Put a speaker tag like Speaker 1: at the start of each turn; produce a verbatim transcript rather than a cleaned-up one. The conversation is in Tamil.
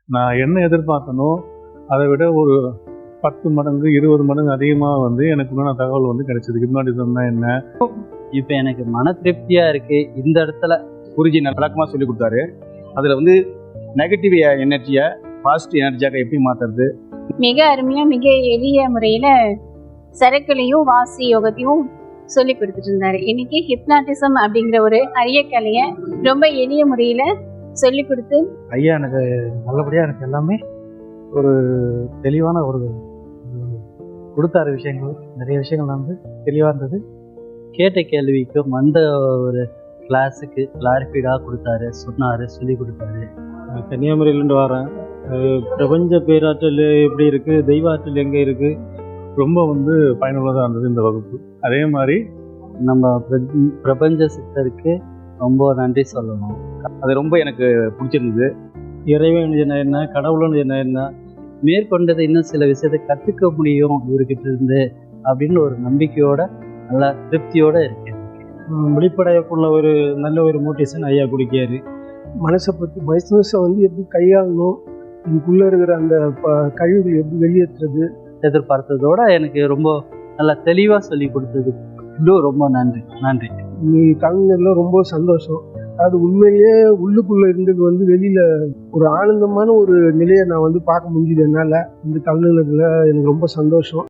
Speaker 1: நான் என்ன எதிர்பார்த்தனோ அதை விட ஒரு பத்து மடங்கு இருபது மடங்கு அதிகமாக வந்து எனக்கு உண்டான தகவல் வந்து கிடைச்சது. ஹிப்னாட்டிசம்னா என்ன.
Speaker 2: இப்போ எனக்கு மன திருப்தியாக இருக்குது. இந்த இடத்துல
Speaker 3: குருஜி நல்ல விளக்கமாக சொல்லி கொடுத்தாரு. அதில் வந்து நெகட்டிவ் எனர்ஜியை பாசிட்டிவ் எனர்ஜியாக எப்படி மாற்றுறது,
Speaker 4: மிக அருமையாக மிக எளிய முறையில் சரக்குலையும் வாசி யோகத்தையும் சொல்லி கொடுத்துட்டு இருந்தாரு. இன்னைக்கு ஹிப்னாட்டிசம் அப்படிங்கிற ஒரு அரிய கலையை ரொம்ப எளிய முறையில் சொல்லி கொடுத்து
Speaker 5: ஐயா எனக்கு நல்லபடியாக எனக்கு எல்லாமே ஒரு தெளிவான ஒரு கொடுத்தாரு. விஷயங்கள் நிறைய விஷயங்கள் வந்து தெளிவாக இருந்தது.
Speaker 2: கேட்ட கேள்விக்கும் அந்த ஒரு கிளாஸுக்கு கிளாரிஃபைடாக கொடுத்தாரு, சொன்னார், சொல்லி கொடுத்தாரு.
Speaker 5: கன்னியாகுமரியிலேருந்து வரேன். பிரபஞ்ச பேராற்றல் எப்படி இருக்குது, தெய்வ ஆற்றல் எங்கே இருக்குது,
Speaker 1: ரொம்ப வந்து பயனுள்ளதாக இருந்தது இந்த வகுப்பு. அதே மாதிரி
Speaker 2: நம்ம பிர- பிரபஞ்ச சித்தருக்கு ரொம்ப நன்றி சொல்லணும்.
Speaker 3: அது ரொம்ப எனக்கு பிடிச்சிருந்தது.
Speaker 5: இறைவன் என்ன என்ன, கடவுள்னு என்ன என்ன,
Speaker 2: மேற்கொண்டது இன்னும் சில விஷயத்தை கற்றுக்க முடியும் இவர்கிட்ட இருந்து அப்படின்னு ஒரு நம்பிக்கையோட நல்லா திருப்தியோட இருக்கேன்.
Speaker 5: வெளிப்படையக்குள்ள ஒரு நல்ல ஒரு மோட்டிவேஷன் ஐயா கொடுக்காரு.
Speaker 6: மனசை பற்றி மனசை வந்து எப்படி கையாளணும், இதுக்குள்ளே இருக்கிற அந்த ப கழிவுகள் எப்படி வெளியேற்றுறது,
Speaker 2: எதிர்பார்த்ததோட எனக்கு ரொம்ப நல்லா தெளிவாக சொல்லி கொடுத்தது இன்னும் ரொம்ப நன்றி நன்றி
Speaker 6: நீ கலைஞர்ல ரொம்ப சந்தோஷம். அது உண்மையிலேயே உள்ளுக்குள்ளே இருந்தது வந்து வெளியில் ஒரு ஆனந்தமான ஒரு நிலையை நான் வந்து பார்க்க முடிஞ்சுது என்னால். இந்த கலைஞர்ல எனக்கு ரொம்ப சந்தோஷம்.